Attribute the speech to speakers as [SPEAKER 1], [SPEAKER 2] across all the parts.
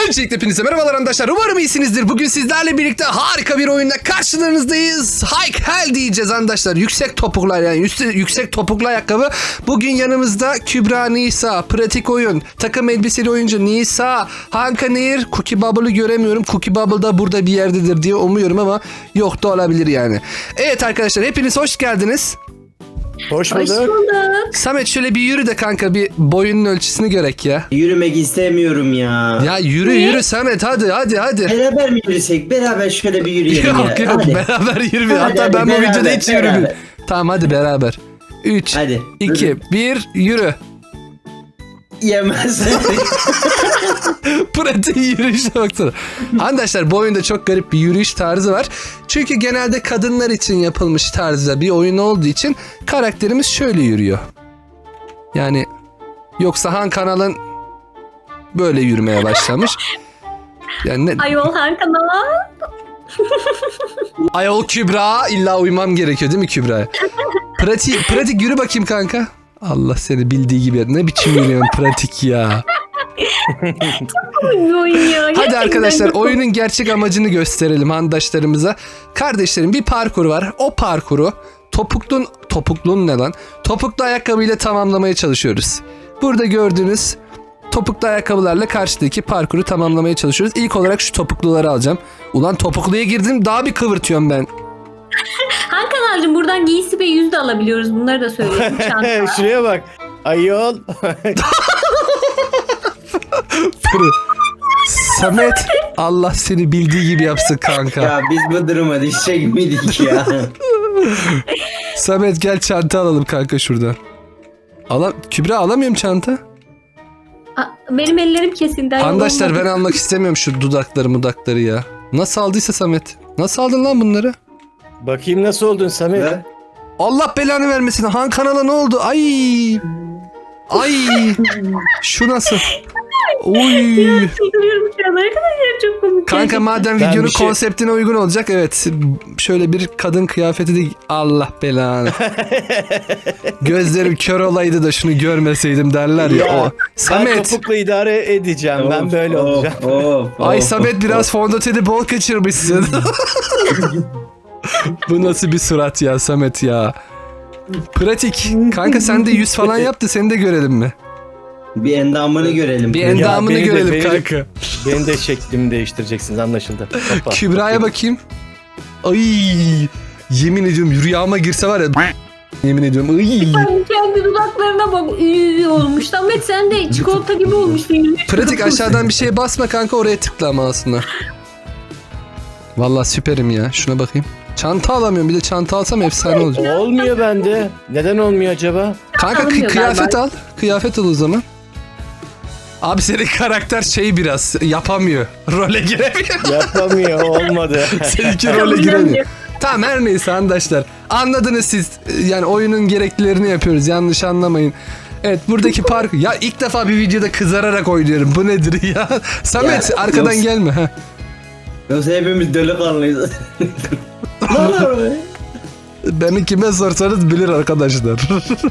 [SPEAKER 1] Öncelikle hepinize merhabalar arkadaşlar. Umarım iyisinizdir. Bugün sizlerle birlikte harika bir oyunla karşılarınızdayız. Hike Hell diyeceğiz arkadaşlar. Yüksek topuklar, yani yüksek topuklu ayakkabı. Bugün yanımızda Kübra Nisa, pratik oyun, takım elbiseli oyuncu Nisa, Hanka Nehir, Cookie Bubble'ı göremiyorum. Cookie Bubble da burada bir yerdedir diye umuyorum ama yok da olabilir yani. Evet arkadaşlar, hepiniz hoş geldiniz.
[SPEAKER 2] Hoş bulduk.
[SPEAKER 1] Samet şöyle bir yürü de kanka, bir boyunun ölçüsünü görek ya.
[SPEAKER 2] Yürümek istemiyorum ya.
[SPEAKER 1] Ya yürü Samet, hadi.
[SPEAKER 2] Beraber mi yürüsek? Beraber şöyle bir yürüyelim ya.
[SPEAKER 1] Yok
[SPEAKER 2] Hadi.
[SPEAKER 1] beraber yürü.
[SPEAKER 2] Hadi,
[SPEAKER 1] Hatta
[SPEAKER 2] hadi,
[SPEAKER 1] ben bu
[SPEAKER 2] beraber,
[SPEAKER 1] videoda hiç
[SPEAKER 2] beraber.
[SPEAKER 1] yürümüyorum. Tamam hadi beraber. 3,
[SPEAKER 2] Hadi.
[SPEAKER 1] 2, 1 yürü.
[SPEAKER 2] Yemez.
[SPEAKER 1] Pratik yürüyüşe baksana. Arkadaşlar bu oyunda çok garip bir yürüyüş tarzı var. Çünkü genelde kadınlar için yapılmış tarzda bir oyun olduğu için karakterimiz şöyle yürüyor. Yani yoksa Han kanalın böyle yürümeye başlamış. Yani ne?
[SPEAKER 3] Ayol her kanala.
[SPEAKER 1] Ayol Kübra, illa uymam gerekiyor değil mi Kübra? Pratik yürü bakayım kanka. Allah seni bildiği gibi. Ne biçim yürüyorsun pratik ya.
[SPEAKER 3] Oynuyor.
[SPEAKER 1] Hadi arkadaşlar, oyunun gerçek amacını gösterelim handaşlarımıza. Kardeşlerim, bir parkur var. O parkuru topuklun ne lan? Topuklu ayakkabıyla tamamlamaya çalışıyoruz. Burada gördüğünüz topuklu ayakkabılarla karşıdaki parkuru tamamlamaya çalışıyoruz. İlk olarak şu topukluları alacağım. Ulan topukluya girdim, daha bir kıvırtıyorum ben.
[SPEAKER 3] Han kanalcığım, buradan giysi ve yüz de alabiliyoruz. Bunları da söyleyeyim. Çanta.
[SPEAKER 4] Şuraya bak. Ayol.
[SPEAKER 1] Samet, Allah seni bildiği gibi yapsın kanka.
[SPEAKER 2] Ya biz bu duruma düşecek miydik ya?
[SPEAKER 1] Samet gel çanta alalım kanka şuradan. Kübra, alamıyorum çanta.
[SPEAKER 3] Benim ellerim kesildi. ayol,
[SPEAKER 1] Arkadaşlar
[SPEAKER 3] olmadı.
[SPEAKER 1] ben almak istemiyorum şu dudakları ya. Nasıl aldıysa Samet. Nasıl aldın lan bunları?
[SPEAKER 4] Bakayım nasıl oldun Samet?
[SPEAKER 2] Ne?
[SPEAKER 1] Allah belanı vermesin. Han kanala ne oldu? Ay. Şu nasıl? Oy.
[SPEAKER 3] Çıldırıyorum şu an arkadaşlar, çok komik.
[SPEAKER 1] Kanka madem
[SPEAKER 4] Ben
[SPEAKER 1] videonun
[SPEAKER 4] bir şey-
[SPEAKER 1] konseptine uygun olacak, evet. Şöyle bir kadın kıyafeti de Allah belanı. Gözlerim kör olaydı da şunu görmeseydim derler ya.
[SPEAKER 4] Ya,
[SPEAKER 1] O.
[SPEAKER 4] Ben
[SPEAKER 1] Samet.
[SPEAKER 4] topukla idare edeceğim. Ben böyle olacağım.
[SPEAKER 1] Ay Samet, biraz fondöteni bol kaçırmışsın. Bu nasıl bir surat ya Samet ya. Pratik. Kanka sen de yüz falan yap da seni de görelim mi?
[SPEAKER 2] Bir endamını görelim.
[SPEAKER 1] Bir endamını
[SPEAKER 4] beni de-
[SPEAKER 1] görelim
[SPEAKER 4] beni de-
[SPEAKER 1] kanka.
[SPEAKER 4] Benim de şeklimi değiştireceksiniz, anlaşıldı. Hoppa.
[SPEAKER 1] Kübra'ya bakayım. Ay, yemin ediyorum rüyama girse var ya, yemin ediyorum. Ay.
[SPEAKER 3] Sen kendi dudaklarına bak. Olmuş. Samet sen de çikolata gibi olmuşsun.
[SPEAKER 1] Pratik, aşağıdan bir şeye basma kanka, oraya tıkla ama aslında. Vallahi süperim ya, şuna bakayım. Çanta alamıyorum, bir de çanta alsam efsane olacak.
[SPEAKER 4] Olmuyor bende. Neden olmuyor acaba?
[SPEAKER 1] Kanka
[SPEAKER 3] Alınmıyor
[SPEAKER 1] kıyafet
[SPEAKER 3] galiba.
[SPEAKER 1] al. Kıyafet al o zaman. Abi senin karakter biraz yapamıyor. Role giremiyor.
[SPEAKER 4] Yapamıyor, olmadı.
[SPEAKER 1] Seninki role giremiyor. Tamam, her neyse arkadaşlar. Anladınız siz. Yani oyunun gereklilerini yapıyoruz. Yanlış anlamayın. Evet, buradaki park. Ya ilk defa bir videoda kızararak oynuyorum. Bu nedir ya? Samet,
[SPEAKER 2] Ya,
[SPEAKER 1] arkadan
[SPEAKER 2] yok.
[SPEAKER 1] gelme. Heh.
[SPEAKER 2] Yoksa hepimiz delikanlıyız.
[SPEAKER 1] Beni kime sorsanız bilir arkadaşlar.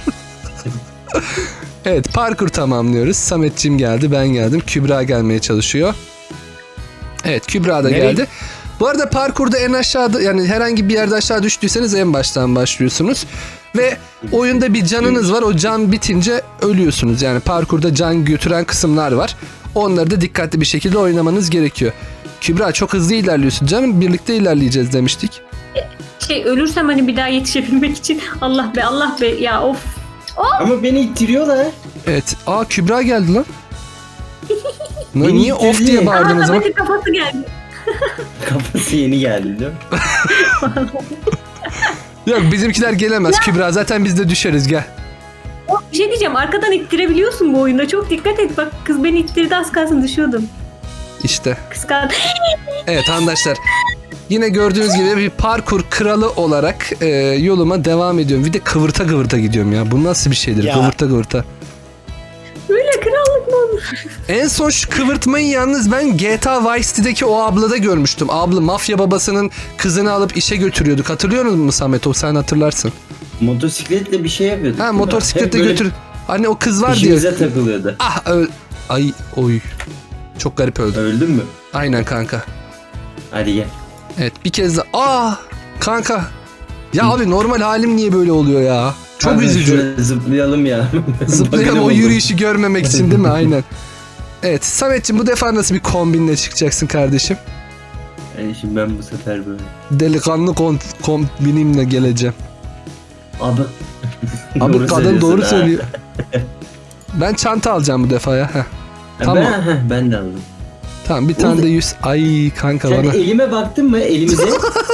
[SPEAKER 1] Evet, parkur tamamlıyoruz. Sametçim geldi, ben geldim. Kübra gelmeye çalışıyor. Evet, Kübra da
[SPEAKER 4] Nereye?
[SPEAKER 1] geldi. Bu arada parkurda en aşağıda, yani herhangi bir yerde aşağı düştüyseniz en baştan başlıyorsunuz. Ve oyunda bir canınız var. O can bitince ölüyorsunuz. Yani parkurda can götüren kısımlar var. Onları da dikkatli bir şekilde oynamanız gerekiyor. Kübra, çok hızlı ilerliyorsun canım. Birlikte ilerleyeceğiz demiştik.
[SPEAKER 3] Ölürsem hani bir daha yetişebilmek için. Allah be ya, of.
[SPEAKER 2] Ama beni ittiriyorlar.
[SPEAKER 1] Evet. Aa, Kübra geldi lan.
[SPEAKER 2] Beni
[SPEAKER 1] Niye off
[SPEAKER 2] ittirdi.
[SPEAKER 1] diye bağırdın o zaman?
[SPEAKER 3] Samet'in kafası geldi.
[SPEAKER 2] Kafası yeni geldi değil mi?
[SPEAKER 1] Yok, bizimkiler gelemez Kübra. Zaten biz de düşeriz, gel.
[SPEAKER 3] Bir şey diyeceğim, arkadan ittirebiliyorsun bu oyunda. Çok dikkat et, bak kız beni ittirdi, az kalsın düşüyordum.
[SPEAKER 1] İşte.
[SPEAKER 3] Kıskandı.
[SPEAKER 1] Evet arkadaşlar. Yine gördüğünüz gibi bir parkur kralı olarak yoluma devam ediyorum. Bir de kıvırta gidiyorum ya. Bu nasıl bir şeydir?
[SPEAKER 4] Ya.
[SPEAKER 1] Kıvırta.
[SPEAKER 3] Böyle krallık mı olur?
[SPEAKER 1] En son şu kıvırtmayı yalnız ben GTA Vice City'deki o ablada görmüştüm. Abla mafya babasının kızını alıp işe götürüyorduk. Hatırlıyor musun Samet? O sen hatırlarsın.
[SPEAKER 2] Motosikletle bir şey yapıyorduk.
[SPEAKER 1] Ha, motosikletle
[SPEAKER 2] Hep böyle
[SPEAKER 1] götür. Hani o kız var diye.
[SPEAKER 2] İşimize takılıyordu.
[SPEAKER 1] Ah, ay oy. Çok garip öldü.
[SPEAKER 2] Öldün mü?
[SPEAKER 1] Aynen kanka.
[SPEAKER 2] Hadi gel.
[SPEAKER 1] Evet bir kez daha. Kanka. Ya abi normal halim niye böyle oluyor ya? Çok
[SPEAKER 2] Kanka,
[SPEAKER 1] üzücü.
[SPEAKER 2] şöyle zıplayalım ya.
[SPEAKER 1] Zıplayalım
[SPEAKER 2] Bakalım
[SPEAKER 1] o
[SPEAKER 2] olur.
[SPEAKER 1] yürüyüşü görmemek için değil mi? Aynen. Evet Samet'ciğim bu defa nasıl bir kombinle çıkacaksın kardeşim?
[SPEAKER 2] Yani şimdi ben bu sefer böyle.
[SPEAKER 1] Delikanlı kombinimle geleceğim.
[SPEAKER 2] Abi.
[SPEAKER 1] Abi
[SPEAKER 2] Doğru
[SPEAKER 1] kadın
[SPEAKER 2] söylüyorsun
[SPEAKER 1] doğru
[SPEAKER 2] ha.
[SPEAKER 1] söylüyor. Ben çanta alacağım bu defa ya. Heh. Tamam.
[SPEAKER 2] Ben de aldım.
[SPEAKER 1] Tamam bir tane de 100. Ay kanka
[SPEAKER 2] Sen
[SPEAKER 1] bana.
[SPEAKER 2] elime baktın mı? Elimize.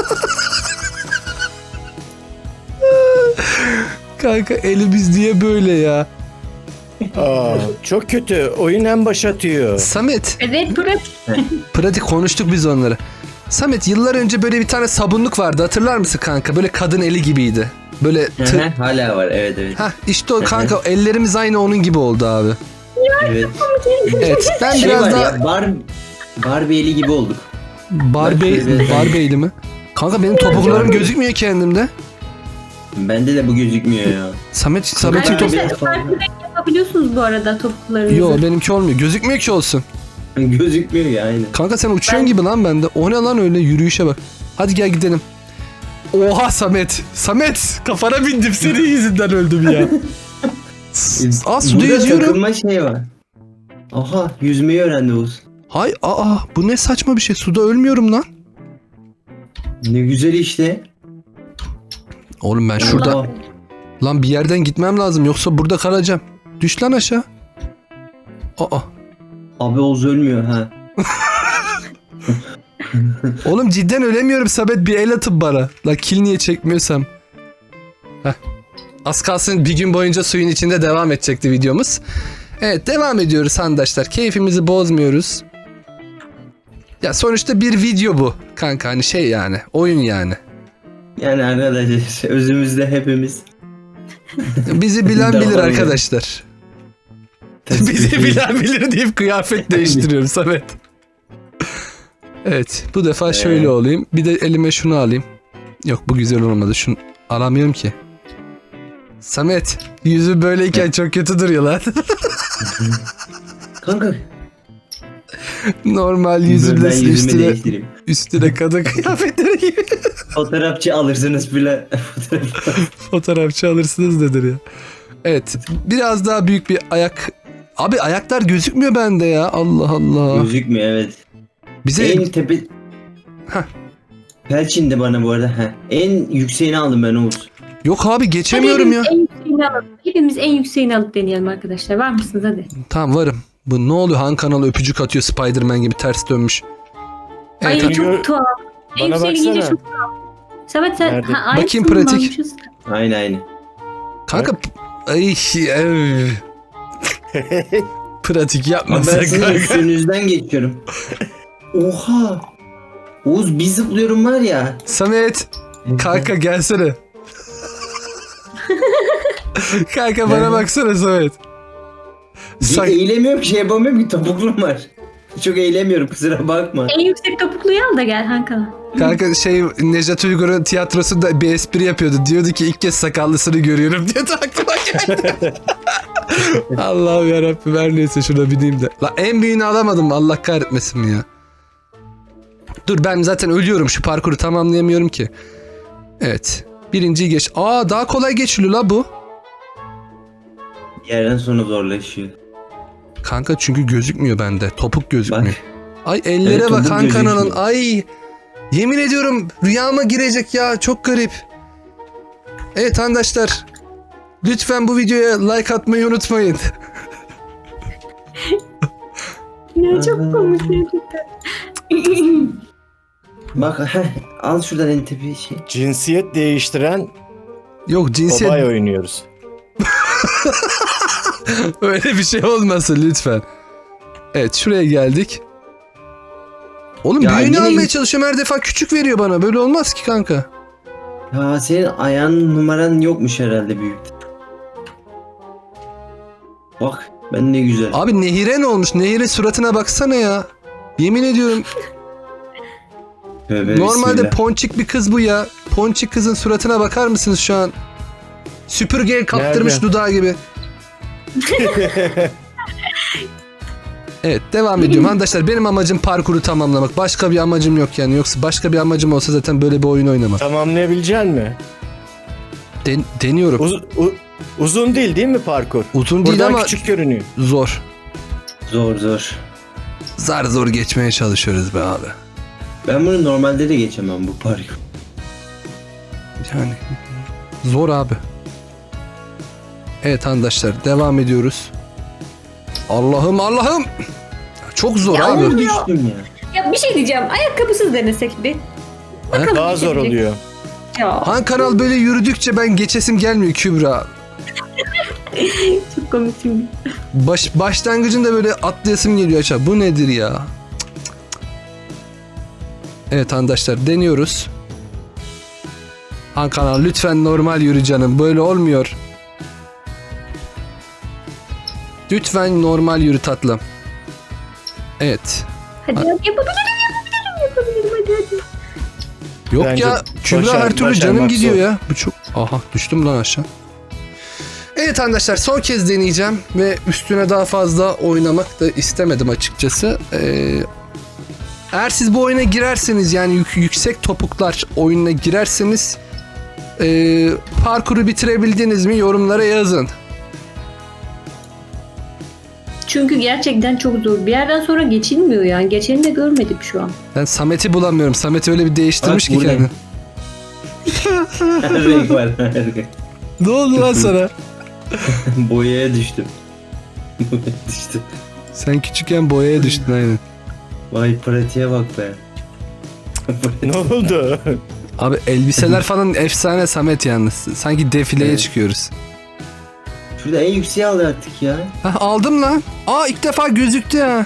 [SPEAKER 1] Kanka elimiz diye böyle ya.
[SPEAKER 4] Aa, çok kötü. Oyun en baş atıyor.
[SPEAKER 1] Samet
[SPEAKER 3] Evet Burak.
[SPEAKER 1] pratik konuştuk biz onları. Samet yıllar önce böyle bir tane sabunluk vardı hatırlar mısın kanka? Böyle kadın eli gibiydi. Böyle
[SPEAKER 2] Hala var, evet.
[SPEAKER 1] Hah işte o kanka ellerimiz aynı onun gibi oldu abi.
[SPEAKER 2] Evet.
[SPEAKER 1] Evet ben
[SPEAKER 2] Şey
[SPEAKER 1] biraz
[SPEAKER 2] var
[SPEAKER 1] daha
[SPEAKER 2] ya, Barbie eli gibi olduk.
[SPEAKER 1] Barbie'li mi? Kanka benim topuklarım gözükmüyor kendimde.
[SPEAKER 2] Bende de bu gözükmüyor ya.
[SPEAKER 1] Samet'in
[SPEAKER 2] Arkadaşlar,
[SPEAKER 1] top...
[SPEAKER 3] Arkadaşlar farklı renk yapabiliyorsunuz bu arada topuklarınızı.
[SPEAKER 1] Yo benimki olmuyor. Gözükmüyor ki olsun.
[SPEAKER 2] Gözükmüyor ya aynen.
[SPEAKER 1] Kanka sen uçuyorsun gibi lan bende. O ne lan öyle yürüyüşe bak. Hadi gel gidelim. Oha Samet. Samet kafana bindim senin yüzünden öldüm ya. Suda
[SPEAKER 2] Burada
[SPEAKER 1] yüzüyorum.
[SPEAKER 2] takılma şey var. Aha, yüzmeyi öğrendi Oğuz.
[SPEAKER 1] Hay bu ne saçma bir şey. Suda ölmüyorum lan.
[SPEAKER 2] Ne güzel işte.
[SPEAKER 1] Oğlum ben şurada
[SPEAKER 2] Aa,
[SPEAKER 1] lan bir yerden gitmem lazım yoksa burada kalacağım. Düş lan aşağı.
[SPEAKER 2] Abi Oğuz ölmüyor ha.
[SPEAKER 1] Oğlum cidden ölemiyorum Samet bir el atıp bana. La kill niye çekmiyorsam. Heh. Az kalsın bir gün boyunca suyun içinde devam edecekti videomuz. Evet devam ediyoruz arkadaşlar. Keyfimizi bozmuyoruz. Ya sonuçta bir video bu. Kanka hani şey yani oyun yani.
[SPEAKER 2] Yani arkadaşlar özümüzde hepimiz.
[SPEAKER 1] Bizi bilen bilir
[SPEAKER 2] Devam
[SPEAKER 1] arkadaşlar. Bizi bilen bilir deyip kıyafet değiştiriyorum Samet. Evet bu defa şöyle olayım. Bir de elime şunu alayım. Yok bu güzel olmadı. Şunu alamıyorum ki. Samet yüzü böyleyken çok kötü duruyor lan.
[SPEAKER 2] Kanka
[SPEAKER 1] Normal
[SPEAKER 2] ben
[SPEAKER 1] yüzümle
[SPEAKER 2] yüzümü
[SPEAKER 1] üstüne,
[SPEAKER 2] değiştireyim.
[SPEAKER 1] üstüne kadın kıyafetleri gibi.
[SPEAKER 2] Fotoğrafçı alırsınız bile.
[SPEAKER 1] Fotoğrafçı alırsınız nedir ya. Evet biraz daha büyük bir ayak. Abi ayaklar gözükmüyor bende ya. Allah Allah.
[SPEAKER 2] Gözükmüyor evet.
[SPEAKER 1] Bize
[SPEAKER 2] En tepe...
[SPEAKER 1] Heh.
[SPEAKER 2] Pelçindi bana bu arada. En yükseğini aldım ben Oğuz.
[SPEAKER 1] yok abi geçemiyorum ya.
[SPEAKER 3] Hepimiz en yükseğini alıp deneyelim arkadaşlar. Var mısınız hadi?
[SPEAKER 1] Tamam varım. Bu ne oluyor? Han kanalı öpücük atıyor Spider-Man gibi ters dönmüş.
[SPEAKER 3] Ay
[SPEAKER 1] Evet,
[SPEAKER 3] çok tuhaf. En
[SPEAKER 4] Bana
[SPEAKER 3] yükseğini giyince
[SPEAKER 4] baksana.
[SPEAKER 3] çok tuhaf. Samet sen...
[SPEAKER 4] Nerede?
[SPEAKER 3] aynısını
[SPEAKER 1] Bakayım pratik.
[SPEAKER 3] almışız.
[SPEAKER 2] Aynen.
[SPEAKER 1] kanka ay pratik
[SPEAKER 2] Ama
[SPEAKER 1] yapma
[SPEAKER 2] ben
[SPEAKER 1] sen
[SPEAKER 2] sizin
[SPEAKER 1] kanka.
[SPEAKER 2] üstünüzden geçiyorum. Oha. Oğuz bir zıplıyorum var ya.
[SPEAKER 1] Samet kanka gelsene. Kanka bana baksana Samet. Sen,
[SPEAKER 2] Eğilemiyorum ki şey yapamıyorum ki topuklum var. Çok eğilemiyorum kusura bakma.
[SPEAKER 3] En yüksek topukluyu al da gel Hakan.
[SPEAKER 1] kanka şey Nejat Uygur'un tiyatrosunda bir espri yapıyordu. Diyordu ki ilk kez sakallısını görüyorum diye aklıma geldi. Allah'ım yarabbim her neyse şuna bineyim de. La en büyüğünü alamadım Allah kahretmesin mi ya. Dur ben zaten ölüyorum şu parkuru tamamlayamıyorum ki. Evet. Birinciyi geç. Daha kolay geçiliyor la bu.
[SPEAKER 2] Bir yerden sonra zorlaşıyor.
[SPEAKER 1] Kanka çünkü gözükmüyor bende. Topuk
[SPEAKER 2] Bak.
[SPEAKER 1] gözükmüyor. Ay ellere
[SPEAKER 2] Evet,
[SPEAKER 1] bak
[SPEAKER 2] topuk
[SPEAKER 1] Han kanalın.
[SPEAKER 2] gözükmüyor.
[SPEAKER 1] Ay. Yemin ediyorum rüyama girecek ya. Çok garip. Evet arkadaşlar. Lütfen bu videoya like atmayı unutmayın.
[SPEAKER 3] Ya çok komik gerçekten.
[SPEAKER 2] Bak al şuradan en tepe şey.
[SPEAKER 4] Cinsiyet değiştiren
[SPEAKER 1] Yok cinsiyet
[SPEAKER 4] Obay oynuyoruz.
[SPEAKER 1] öyle bir şey olmasın lütfen. Evet şuraya geldik. Oğlum
[SPEAKER 2] Ya
[SPEAKER 1] büyüğünü
[SPEAKER 2] yine-
[SPEAKER 1] almaya çalışıyorum her defa küçük veriyor bana. Böyle olmaz ki kanka.
[SPEAKER 2] Ya senin ayağın numaran yokmuş herhalde büyük. Bak ben ne güzel.
[SPEAKER 1] Abi Nehir'e ne olmuş? Nehir'e suratına baksana ya. Yemin ediyorum
[SPEAKER 2] Tövbe
[SPEAKER 1] normalde
[SPEAKER 2] bismillah.
[SPEAKER 1] ponçik bir kız bu ya. Ponçik kızın suratına bakar mısınız şu an? Süpürgeye kaptırmış
[SPEAKER 4] Nerede?
[SPEAKER 1] dudağı gibi. Evet devam ediyorum. Arkadaşlar benim amacım parkuru tamamlamak. Başka bir amacım yok yani. Yoksa başka bir amacım olsa zaten böyle bir oyun oynamam.
[SPEAKER 4] Tamamlayabilecek mi?
[SPEAKER 1] Deniyorum.
[SPEAKER 4] Uzun değil mi parkur?
[SPEAKER 1] Uzun değil
[SPEAKER 4] Buradan
[SPEAKER 1] ama
[SPEAKER 4] küçük görünüyor.
[SPEAKER 1] zor.
[SPEAKER 2] Zor.
[SPEAKER 1] Zar zor geçmeye çalışıyoruz be abi.
[SPEAKER 2] Ben bunu normalde de geçemem bu parkur.
[SPEAKER 1] Yani zor abi. Evet arkadaşlar devam ediyoruz. Allah'ım. Çok zor
[SPEAKER 3] Ya
[SPEAKER 1] abi.
[SPEAKER 3] oğlum
[SPEAKER 2] Düştüm ya.
[SPEAKER 3] Ya bir şey diyeceğim. Ayakkabısız denesek bir. Bakalım
[SPEAKER 4] Daha zor
[SPEAKER 3] geçebilecek.
[SPEAKER 4] oluyor.
[SPEAKER 3] Ya
[SPEAKER 1] Han kanal böyle yürüdükçe ben geçesim gelmiyor Kübra.
[SPEAKER 3] çok komik şimdi.
[SPEAKER 1] Başlangıcında böyle atlayasım geliyor aşağı. Bu nedir ya? Cık. Evet arkadaşlar deniyoruz. Han kanal lütfen normal yürü canım. Böyle olmuyor. Lütfen normal yürü tatlım. Evet.
[SPEAKER 3] Hadi yapabilirim hadi.
[SPEAKER 1] Yok
[SPEAKER 4] Bence
[SPEAKER 1] ya Kübra her türlü canım
[SPEAKER 4] başarmak
[SPEAKER 1] gidiyor
[SPEAKER 4] zor.
[SPEAKER 1] ya. Bu çok... Aha düştüm lan aşağı. Evet arkadaşlar son kez deneyeceğim ve üstüne daha fazla oynamak da istemedim açıkçası. Eğer siz bu oyuna girerseniz yani yüksek topuklar oyununa girerseniz parkuru bitirebildiniz mi yorumlara yazın.
[SPEAKER 3] Çünkü gerçekten çok zor. Bir yerden sonra geçilmiyor yani. Geçeni de görmedim şu an.
[SPEAKER 1] Ben Samet'i bulamıyorum. Samet öyle bir değiştirmiş
[SPEAKER 2] Bak,
[SPEAKER 1] ki
[SPEAKER 2] bu ne?
[SPEAKER 1] kendini.
[SPEAKER 2] Her renk var. Her renk.
[SPEAKER 1] Ne oldu lan sana?
[SPEAKER 2] Boyaya düştüm. Boyaya düştüm.
[SPEAKER 1] Sen küçükken boyaya düştün aynen.
[SPEAKER 2] Vay pratiğe bak be.
[SPEAKER 4] Ne oldu?
[SPEAKER 1] Abi elbiseler falan efsane Samet yalnız. Sanki defileye
[SPEAKER 2] Evet.
[SPEAKER 1] çıkıyoruz.
[SPEAKER 2] Şurada en yükseğe alacaktık ya.
[SPEAKER 1] Hah, aldım lan. Aa ilk defa gözüktü ha.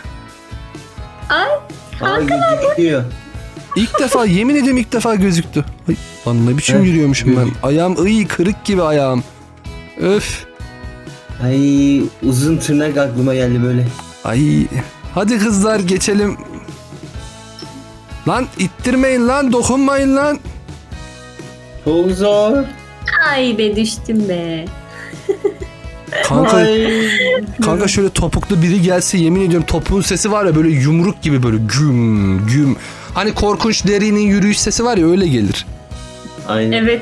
[SPEAKER 2] Aa gözüküyor.
[SPEAKER 1] İlk defa yemin ediyorum ilk defa gözüktü. Ay, lan ne biçim
[SPEAKER 2] Heh,
[SPEAKER 1] yürüyormuşum ben.
[SPEAKER 2] gözük.
[SPEAKER 1] Ayağım kırık gibi ayağım. Öf.
[SPEAKER 2] Ay uzun tırnak aklıma geldi böyle.
[SPEAKER 1] Ay. Hadi kızlar geçelim. Lan ittirmeyin lan dokunmayın lan.
[SPEAKER 2] Çok zor.
[SPEAKER 3] Ay be düştüm be.
[SPEAKER 1] Kanka,
[SPEAKER 2] Ay.
[SPEAKER 1] kanka şöyle topuklu biri gelse yemin ediyorum topuğun sesi var ya böyle yumruk gibi böyle güm güm. Hani korkunç derinin yürüyüş sesi var ya öyle gelir.
[SPEAKER 2] Aynen.
[SPEAKER 3] Evet.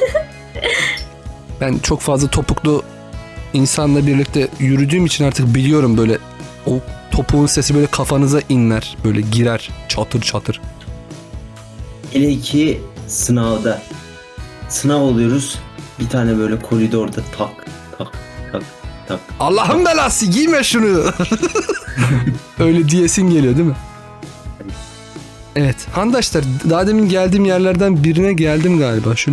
[SPEAKER 1] Ben çok fazla topuklu insanla birlikte yürüdüğüm için artık biliyorum böyle o topuğun sesi böyle kafanıza inler. Böyle girer çatır çatır.
[SPEAKER 2] Hele ki sınavda. Sınav oluyoruz. Bir tane böyle koridorda tak.
[SPEAKER 1] Allah'ın belası giyme şunu. Öyle diyesin geliyor değil mi? Evet. Handaşlar daha demin geldiğim yerlerden birine geldim galiba. Şöyle.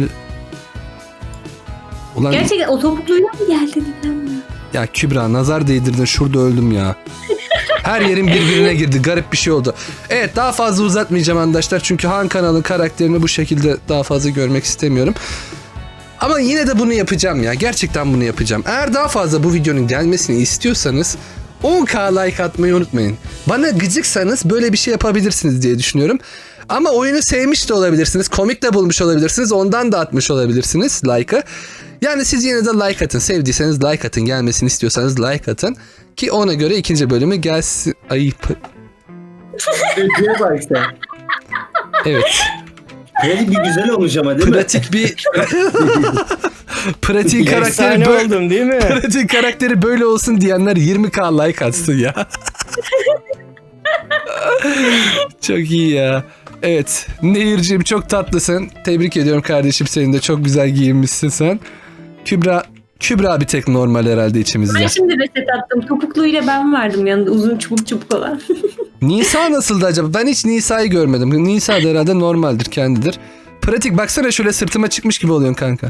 [SPEAKER 1] Ulan
[SPEAKER 3] Gerçekten o topukluyla mı geldin lan?
[SPEAKER 1] ya Kübra nazar değdirdin şurada öldüm ya. Her yerin birbirine girdi. Garip bir şey oldu. Evet daha fazla uzatmayacağım arkadaşlar. Çünkü Han kanalın karakterini bu şekilde daha fazla görmek istemiyorum. Ama yine de bunu yapacağım ya. Gerçekten bunu yapacağım. Eğer daha fazla bu videonun gelmesini istiyorsanız 10k like atmayı unutmayın. Bana gıcıksanız böyle bir şey yapabilirsiniz diye düşünüyorum. Ama oyunu sevmiş de olabilirsiniz. Komik de bulmuş olabilirsiniz. Ondan da atmış olabilirsiniz like'ı. Yani siz yine de like atın. Sevdiyseniz like atın. Gelmesini istiyorsanız like atın. Ki ona göre ikinci bölümü gelsin. Ayıp.
[SPEAKER 2] Pratiğe bak sen.
[SPEAKER 1] Evet.
[SPEAKER 2] Pratik bir güzel olmuş ama değil mi?
[SPEAKER 1] Pratik bir... Pratik karakteri
[SPEAKER 4] Efsane
[SPEAKER 1] böyle...
[SPEAKER 4] oldum değil mi?
[SPEAKER 1] Pratik karakteri böyle olsun diyenler 20k like atsın ya. Çok iyi ya. Evet. Nehirciğim çok tatlısın. Tebrik ediyorum kardeşim seni de. Çok güzel giyinmişsin sen. Kübra bir tek normal herhalde içimizde.
[SPEAKER 3] Ben şimdi reset attım. Topukluyla ben vardım yanında uzun çubuk olan.
[SPEAKER 1] Nisa nasıldı acaba? Ben hiç Nisa'yı görmedim. Nisa da herhalde normaldir kendidir. Pratik baksana şöyle sırtıma çıkmış gibi oluyorsun kanka.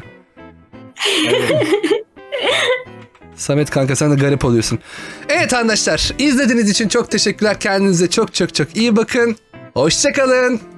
[SPEAKER 1] Samet kanka sen de garip oluyorsun. Evet arkadaşlar izlediğiniz için çok teşekkürler. Kendinize çok iyi bakın. Hoşça kalın.